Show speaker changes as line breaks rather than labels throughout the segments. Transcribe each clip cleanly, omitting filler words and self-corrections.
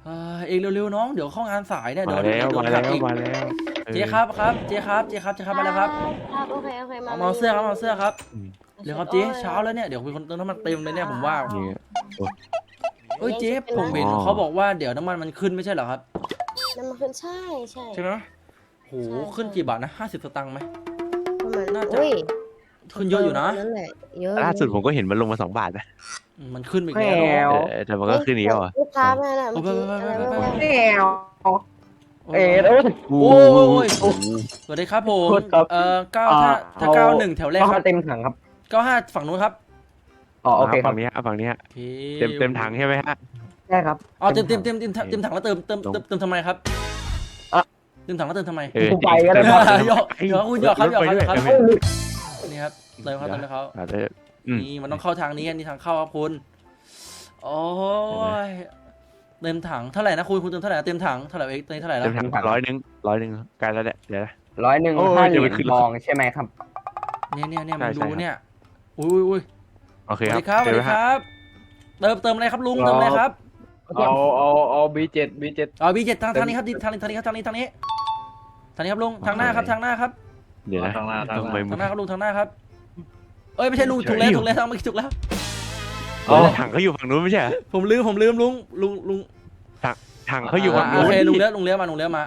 เองเร็วๆน้องเดี๋ยวเข้างานสายเนี่ยเดี๋ยว
มาแล้ว
โดน
มา
หั
แล้
ก
ว
อีก
มาแล้ว
เจ๊ครับเจ๊ครับมาแล้วครับ
ครับโอเค
เอาเสื้อครับเอาเสื้อครับ
อืม
เดี๋ยวครับเจ๊เช้าแล้วเนี่ยเดี๋ยวมีคนเติมน้ำมันเต็มเลยเนี่ยผมว่า
นี่
เอ้ยเจ๊ผมเห็นเขาบอกว่าเดี๋ยวน้ำมันขึ้นไม่ใช่เหรอครับ
น้ำมันขึ้นใช่
ใช่ไหมโหขึ้นกี่บาทนะ50 สตางค์ไหม
ประมาณ
น่าจะ
อุ้ย
ขึ้นเยอะอยู่นะ
นั่นแหละเยอะ
ล่าสุดผมก็เห็นมันลงมา2 บาทนะ
มันขึ้นไปอีกแล้ว
แต่มันก็ขึ้นอีกแล้วอ่ะ
ลูกค้ามาแล้วเมื่อกี้อะไร
ไป
ไม่
โอ้
โอ้ย
โอ้ยสวัสดีครับผม
โทษครับ
ถ้า91แถวแรกครับ
เต็มถังครับ
95ฝั่งนู้นครับ
อ๋อโอเคครั
ฝั่
บ
งนี้ฝั่งนี้
โอเค
เต็มถังใช่ไหมฮะ
ใช่ครับ
อ๋อเต็มถังแล้วเติมทำไมครับเต็มถังแล้วเติมทำไม
กูไปก็ได้
หยอกคุณหยอกครับนี่ครับเติมครับเขา นี่มันต้องเข้าทางนี้นี่ทางเข้าครับคุณโอ้ยเต็มถังเท่าไหร่นะคุณเติมเท่าไหร่เต็มถังเท่าไหร่เองเท่าไหร่แล้ว
เต็มถัง100ใกล้แล้วแหละเดี๋ยวนะ
100
โอ้ย
5 เห
เดี๋
รี
ยวย มัน
ญ
ขึ้น
ทองใช่ไหมครับ
เนี่ยมันดูเนี่ยอุ้ย
โอเค
สวัส
ครั
ดี
บ
ครับเติมอะไรครับลุงเติมอะไรครับ
เอาB7
อ๋อบีเจ็ดทางนี้ครับทางนี้ครับลุงทางหน้าครับ
เดี๋ยวนะทำไม
ทางหน้าครับลุงทางหน้าครับเอ้ยไม่ใช่ลุงถูกแล้วทางเมื่อกี้ถูกแล้ว
ถังเขาอยู่ฝั่งนู้นไม่ใช่
ผมลืมลุง
ถังเขาอยู่ฝั่ง
โอ
นู้น
เคลุงเลี้ยวมา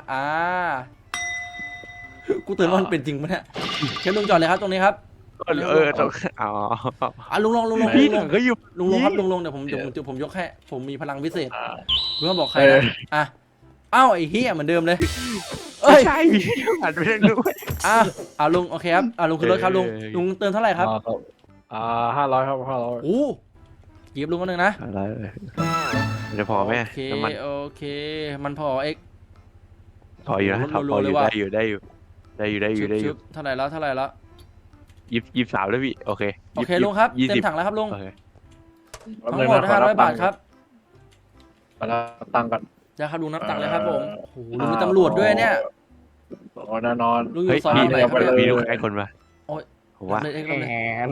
กูเตือนว่ามันเป็นจริงปะเนี่ยเชิญลุงจอดเลยครับตรงนี้ครับ
อ๋อ
ลุง
พี่ถังเขาอยู่
ลุงครับลุงเดี๋ยวผมยกให้ผมมีพลังพิเศษเพื่อบอกใครนะอ่ะอ้าวไอ้เหี้ยเหมือนเดิมเลยเอ้ย
ใช่พี่อ่านไปเรื่องนู้น
ลุงโอเคครับลุงขึ้นรถครับลุงเติมเท่าไหร่ครับ
500ครับ500
โอ้หยิบลุงคนหนึ่งนะ
อะไรจะพอไหม
โอเคมันพอเอ็ก
พออยู่นะพออยู่ได้อยู่
เท่าไหร่แล้ว
23แล้วพี่โอเค
โอเคลุงครับเต็มถังแล้วครับลุง
โอเค
ทั้งหมด500 บาทครับ
มาแล้วตังค์กัน
จะครับลุงนับตังค์เลยครับผมโอ้โหลุงมีตำรวจด้วยเนี่ย
แน่นอน
ลุงอ
เฮ้ย
ยู่ซอย
มี
ไหนครับเนี่ย
มีลูกค้าคนมา
โอ้ย
ผมว่า
เลย
แหม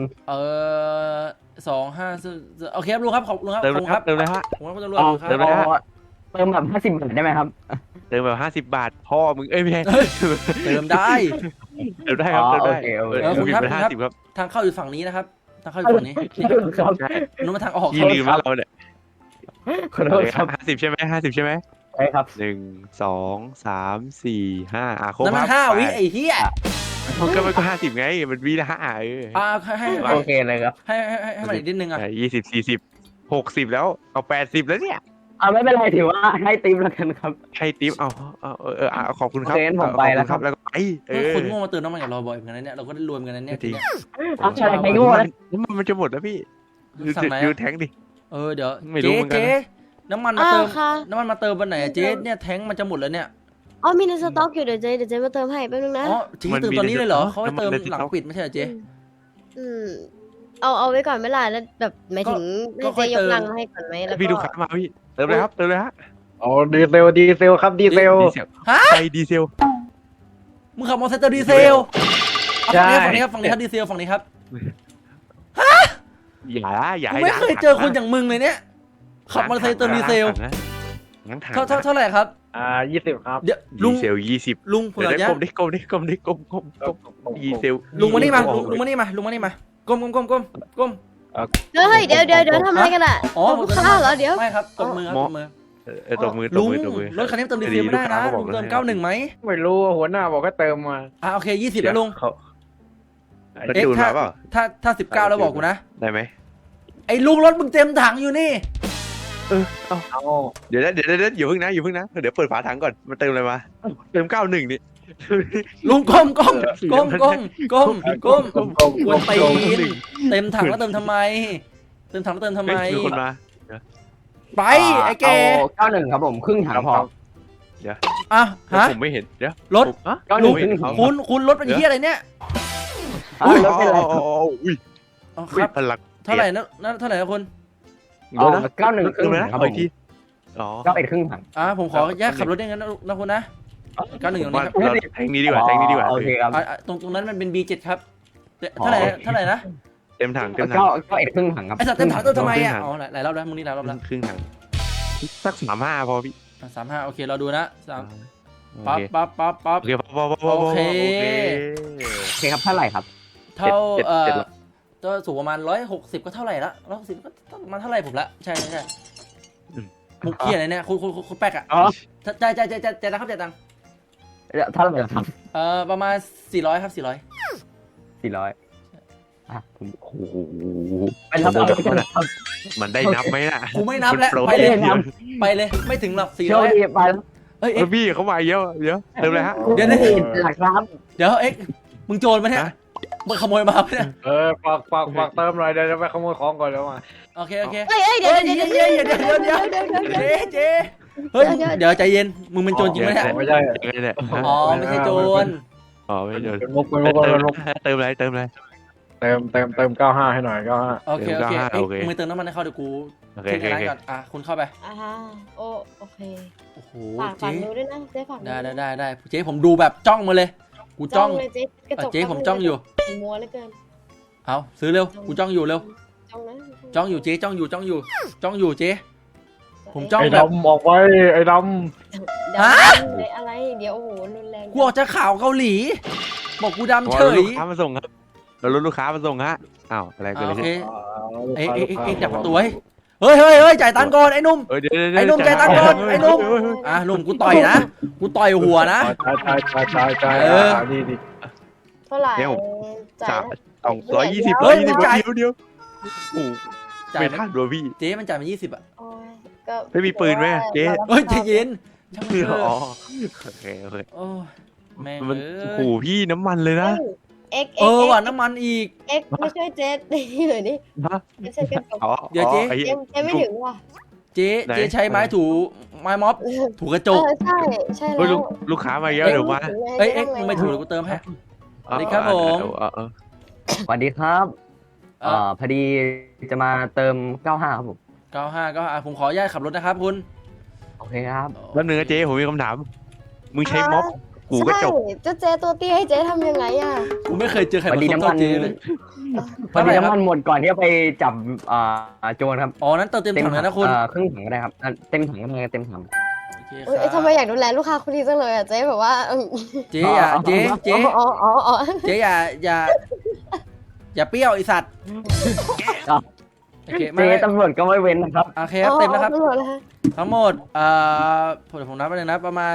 25โอเคครับลุงครับขอบลุงครับ
เติม
ขอบ
เลย
คุณ
ค
ค
รั
รั
บบ เติมเลยฮะ
ผมครับตำรวจครับ
เติมเลยฮะ
เติมแบบ50 บาทได้ไหมครับ
เติมแบบ50 บาทพ่อมึงเอ้ยไม่ใช่
เติมได้
เติมได้ครับเติมได้
คุณครับ
เป็น50ครับ
ทางเข้าอยู่ฝั่งนี้นะครับทางเข้าอยู่ฝั่งนี้
ครับ
ใช่
นู้นมาทางออก
พี่ลืมว่าเราเนี่ย
ขอโทษครับ
50ใช่ไหม50ใช่ไหม
ใช่ครับ
1 2 3 4 5ครบ
นั่นมัน5 วิไอ้เหี้ย
ก็มันก็50ไงมันวิละ5
ให้
โอเคเลยครับ
ให้มันอีกนิดนึงอ่ะ
20 40 60แล้วเอา80แล้วเนี่ย
ไม่เป็นไรถือว่าให้ติ๊บแล้วกันครับ
ให้ติ๊บเอาขอบคุณครับ
โอเคงั้นผมไปแล้วครับ
แล้วก็ไป
คนโง่มาเติมน้ำมันกับเราบ่อยเหมือนกันนะเนี่ยเราก็ได้รวมกันนะเนี่ย
จริง
อะไรใครโง่นะ
น้ำมันจะหมดแล้วพี่
สั่งไหน
ดูแทงดิ
เดี๋ยว
ไม่รู้เหมือนกันนะ
เจ๊น้ำมันมาเติม
ค่ะ
น้ำมันมาเติมวันไหนอะเจ๊เนี่ยแทงมันจะหมดแล้วเนี่ย
มีในสต็อกอยู่เดี๋ยวเจ๊มาเติมให้แป๊บนึงนะ
อ๋อเจ๊เติมตอนนี้เลยเหรอเขาให้เติมหลังปิดไม่ใช่เหรอเจ๊
เอาไว้ก่อนไม่ล่ะแล้วแบบหมายถึง
ก็
ให้
ค่อยเติม
เจ๊ยกลังให้ก่อนไหมแล้ว
พี่ดู
ก็
ขามาพี่เติมเลยครับเติมเลยฮะ
อ๋อดีเซลครับดีเซล
ไฟดีเซล
มึงขับมอเตอร์ไซค์เติมดีเซล
ใช่
ฝั่งนี้ครับดีเซลฝั่งนี้ครับ
อย่า
กูไม่เคยเจอคนอย่างมึงเลยเนี่ยขับมอเตอร์ไซค์เติมดีเซล
งั้นถัง
เท่าไหร่ครับ
20ครับ
เดี๋ยว
ดี
ลุง
เซล20
ลุงผม
เดี๋ยว
อยาก
ได้
จะ
กลมดีเซล
ลุงมานี่มาลุงมานี่มาก้ม
เฮ้ยเดี๋ยวทำอะไรกันอ่ะ
อ๋อ
ลูกค้าเหรอเดี๋ยว
ไม่ครับตบมือ
ตบมือ
ลุงรถคันนี้เติมดีเซลไม่ได้นะลุงเติม91ไหม
ไม่รู้หัวหน้าบอกก็เติมมา
โอเค20แล้วลุง
แล้วจูนมาเปล่า
ถ้า19แล้วบอกกูนะ
ได้ไหม
ไอ้ลุงรถมึงเต็มถังอยู่นี่
เอา
เดี๋ยวอย่าเพิ่งนะเดี๋ยวเปิดฝาถังก่อนมันเติมอะไรมาเติม91นี่
ลุงก้มกวนตีนเต็มถังแล้วเติมทำไม
มีคนมา
ไปไอ้แก
เอา91ครับผมครึ่งถังพอ
ผมไม่เห็นเดี๋ยว
รถ
91ครึ่งถัง
คุณรถเป็นเหี้ยอะไรเนี่ย
รถเป็นไรครับ
อุ้ย
ครับ
พลัง
เท่าไหร่นะเท่าไหร่นะคุณ
91ครึ่งถังครับผม
ทีอ๋อ
91ครึ่งถัง
ผมขอแยกขับรถได้งั้นนะคุณนะ91ตรงนี้ครับ
แทงนี้ดีกว่า
โอเคครับ
ตรงนั้นมันเป็น B7 ครับเท่าไหร่นะ
เต็มถัง
91ครึ่งถังครับ
ไอ้สัตว์เต็มถังเติมทำไมอ่ะหลายรอบแล้วมึงนี่หลายรอบแล้ว
ครึ่งถังสัก35พอพี่
35โอเคเราดูนะ
โอ
ปั๊บ
เค
ปั๊บปั๊บปั๊บ
โอเคพอ
โอเค
โอเคครับเท่าไหร่ครับ
เท่า
เจ็ดร้อย
ก็สูงประมาณ160ก็เท่าไหร่ละ160ก็ประมาณเท่าไหร่ผมละใช่มุกเขียนอะไรเนี่ยคุณแป๊กอ่ะ
อ๋อ
จ่ายนะครับจ่ายตังค์
เท่าไหร่ครับ
ประมาณ400ครับ400
400ผมโอ้โห
ไปรับมันได้นับไหมน่ะ
กูไม่นับแล้ว
คุณโปร
ไปเลย
เดี๋ยว
ไปเลยไม่ถึงหรอก
โชค
400
ดีไปแล้ว
เอ้ย
พี่เขามาเยอะเดี๋ยวเติมเลยฮะ
เดี๋ยว
หลักครับ
เดี๋ยวเอ็กมึงโจรมาเนี่ย
ฮะ
มึงขโมยมาปะเนี่ย
ฝากเติมหน่อยเดี๋ยวไปขโมยของก่อนแล้วมา
โอเค
เฮ้ยเดี๋ยว
เจ๊เฮ้ยเดี๋ยวใจเย็นมึงเป็นโจรจริงไหมเนี่ย
ไม่ใช่
ยังไงเนี่ย
อ๋อไม่ใช่โจร
อ๋อไม่โดน
เป็นมุกเป็นมุก
เติมเลย
เติม95ให้หน่อย95
โอเค
โอเค
เอ็กมึงเติมน้ำมันให้เขาเดี๋ยวกู
โอเค
ขึ้น
โอ
ร้าน
เค
ก่อนคุณเข้าไป
โอเค
โอ้โห
ฝาก
เจ๊
ดูด้วยนะเจ๊ฝาก
ได้เจ๊ผมดูแบบจ้องมาเลยกูจ้อง
เลยเจ๊กระจก
เจ๊ผมจ้องอยู่
มัวเหลือเกิน
เอาซื้อเร็วกูจ้องอยู่เร็ว
จ้องนะ
จ้องอยู่เจ๊จ้องอยู่เจ๊ ผมจ้อง
ไอ้ดำบอกไว้ไอ้ด
อะไรเดี๋ยวโอ้โหรุนแรง
กูออกจากข่าวเกาหลี บอกกูดำเฉ
รถ
ย
ลูกค้ามาส่งครับเรารถลูกค้ามาส่งฮะอ้าวอะไรกัน
โอเค
ำ
เอ็กจับประตูไว้เฮ้ยจ่ายตังค์ก่อนไอ้นุ่ม
เดี๋ยว
ไอ้นุ่มใจตั้งก่อนไอ้นุ่ม นุ่มกูต่อยนะกูต่อยหัวนะ
ใช่ดี
เท่าไหร่
สาม 220
เฮ้ย
120เดียวโอ้
จ่าย
ไม่
ไหม
ทันด้วยพี่
เจ๊มันจ่ายมา20อ่ะ
ก็
ไม่มีปืนไหมเจ๊
เฮ้ยใจเย็นช่างมันเถ
อ๋อ
อะ
โอเค
โอ้ยแม่ง
มัน
เอ้
โอ้
ย
โหพี่น้ำมันเลยนะ
ว่ะน้ำมันอีก
เอ็กไม่ช่วยเจ๊ตีหน่อยดิ
ฮะ
ไม่ใช่กันจบ
อ๋อ
เดี๋ยวเจ๊
ไอ้
เจ๊ไม่ถึงว่ะ
เจ๊ใช้ไม้ถูไม้ม็อบถูกระจก
ใช่ใช่
เฮ้ย
แล้ว
ลูกค้ามาเยอะเดี๋ยวมา
เอ้ยมึงไม่ถูกกูเติมให้ สวัสดีครับผม
สวัสดีครับพอดีจะมาเติม95ครับผม
95ก็ผมขออนุญาตขับรถนะครับคุณ
โอเคครับ
แป๊บนึงนะเจ๊ผมมีคำถาม มึงใช้ม็อบกูก็จบ
ใช่เจ๊ตัวเตี้ยให้เจ๊ทำยังไงอ่ะ
กูไม่เคยเจอใคร
พอ
มา
ดี
ส้ม
น้ำมั
เท่าน เจ๊เลย
พอดีน้ำมันหมดก่อนที่จะไปจับโจรครับ
อ๋อนั้นเติมเต็มถังเลยนะคุณ
ครึ่งถังก็ได้ครับเต็มถังก็ได้เต็มถัง
โอเค
เอ้ยทำไมอยากดูแลลูกค้าคนนี้จังเลยอ่ะเจ๊แบบว่า
เจ๊อย่าเจ๊
เจ๊
อย่าเปรี้ยวไอสัตว์โอเค
เจ๊ตำรวจก็ไม่เว้นนะครับ
โอเคครับเต็มนะครับทั้งหมดผมนับไปเลยนะประมาณ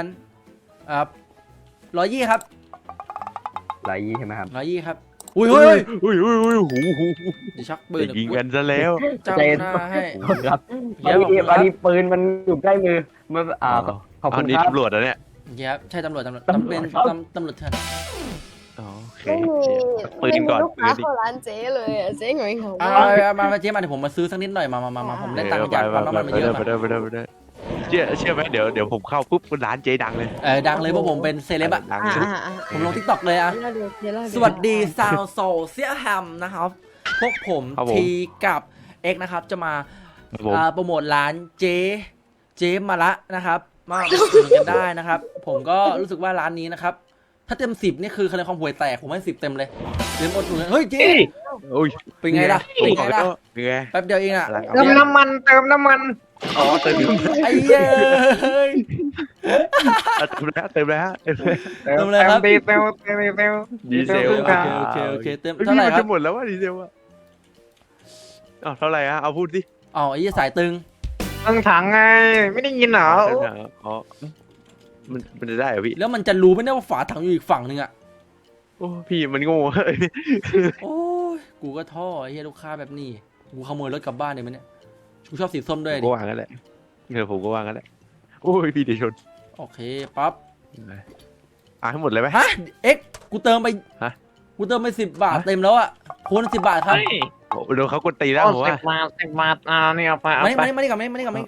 120ครับ
120ใช่ไหมครับ
120ครับอุ้ยเฮ้ย
อุ้ยหู
เดี๋ยวชักปืน
ยิงกันซะแล้ว
เจ้าหน้าให้
ครับ
เดี๋ยว
พอดีปืนมันอยู่ใกล้มือมันขอบ
อั
คุ
น
ณ
นี้
ครับ
ตำรวจนะเนี่ย
ครับใช่ตำรวจเป็นตำรวจเถื่อน
โอเค
ไม่มีลูกค้าเข้าร้านเจ๊เลยอ่ะเจ๊หงอยเหงา
มาเจ๊มาเดี๋ยวผมมาซื้อสักนิดหน่อยมาผมได้ตังค์จากปั๊มน้ำมันมาเยอะ
ไปได้เชื่อไหมเดี๋ยวผมเข้าปุ๊บร้านเจ๊ดังเลย
ดังเลยเพราะผมเป็นเซเลบอะ
ดังเลย
ผมลงทิกตอกเลยอะสวัสดีซาวโซเซียแฮมนะครับพวกผมทีกับเอ็กนะครับจะมาโปรโมทร้านเจ๊มาละนะครับมาอุดหนุนกันได้นะครับผมก็รู้สึกว่าร้านนี้นะครับถ้าเต็ม10นี่คือคะแนนความห่วยแตกผมให้10เต็มเลยเต็มอดหนุนเฮ้ยเจ๊
โอ้ย
เป็นไงล่ะแป๊บเดียวเองอะ
เติมน้ำมัน
อ๋อเติม
ไอ้เย้ย
เติมแล้ว
ดีเซล
ดีเซล
โอเคเต็ม
พี่
เท่าไหร่
มัน
ครั
จะ
บ
หมดแล้วว่าดีเซลอะเท่าไหร่ฮะเอาพูดสิ
อ๋อไอ้สายตึง
ตั้งถังไงไม่ได้ยินเหรอ
อ๋อมันจะได้เหรอพี่
แล้วมันจะรู้ไหมเนี่ยว่าฝาถังอยู่อีกฝั่งนึงอะ
โอ้พี่มันโง่
โอ้ยกูก็ท่อไอ้เหี้ยลูกค้าแบบนี้กูขโมยรถกลับบ้านเลยมั้ยเนี่ยกูชอบสีส้มด้วย
ผม
ดิ
ก็วางกันแหละผมก็วางกันแหละโอ้ยพี่เดี๋ยวชน
โอเคปั๊บ
ให้หมดเลยไหม
ฮะเอ็กกูเติมไป
ฮะ
กูเติมไป10 บาทเต็มแล้วอะคูณ10 บาทครับ
โดนเขากดตีแล้วผมว่า
10 บาทนี่เอาไป
มานี่ก่อนมานี่ก่อน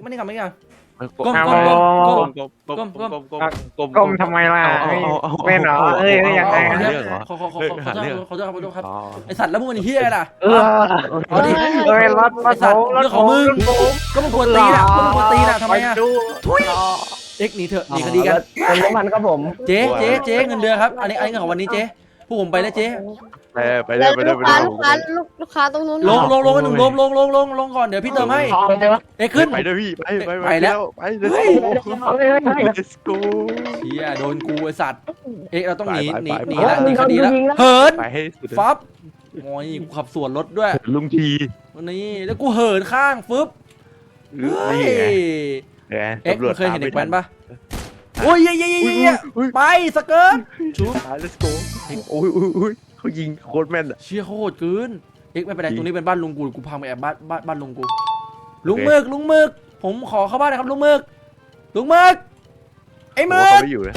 ก้มทำไมล่ะเป็นเหรอยังไง
ขอโทษครับไอสัตว์แล้วมึงมันเฮียอะไรล่ะเอาดิ
รถ
ไอสัตว์เรื่องของมึงก็มึงกวนตีน่ะทำไมอะทุยเอ็กหนีเถอะหนีคดีกัน
เติมน้ำมันครับผม
เจ๊เงินเดือนครับอันนี้เงินของวันนี้เจ๊พวกผมไปแล้วเจ๊
ไปได้ไปได้ไปได้
ลูกค้าตรงนู้น
ลงหนึ่งลงก่อนเดี๋ยวพี่เติมให้เอ๊ะขึ้น
ไปด้วยพี่ไป
ไปแล้ว
ไป let's go
เฮียโดนกูไอสัตว์เอ๊ะเราต้องหนี
ไป
หนีละหนีคดีละเหิน
ไปให้สุด
ฟับโอ้ยกูขับสวนรถด้วย
ลุงที
นี่แล้วกูเหินข้างฟึบเฮ้ย
นี่ไง
เอ๊ะมึงเคยเห็นเด็กแว้นปะโอ้ยไปสเกิร์ตชุบ
let's go โอ้ยเขายิงโคตรแม่น
เชี่ยโคตรเกินเอ็กไม่เป็นไรตรงนี้เป็นบ้านลุงกูพังไปแอบบ้านลุงกูลุงมึกผมขอเข้าบ้านนะครับลุงมึกไอ้มึก
เขาไม่อยู่นะ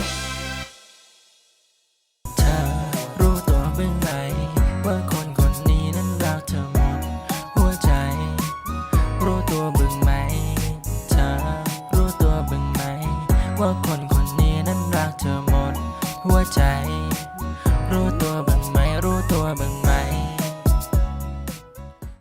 เธอรู้ตัวบ้างไหมว่าคนคนนี้นั้นรักเธอหมดหัวใจ รู้ตัวบ้างไหมเธอรู้ตัวบ้างไหมว่าคนคนนี้นั้นรักเธอหมดหัวใจ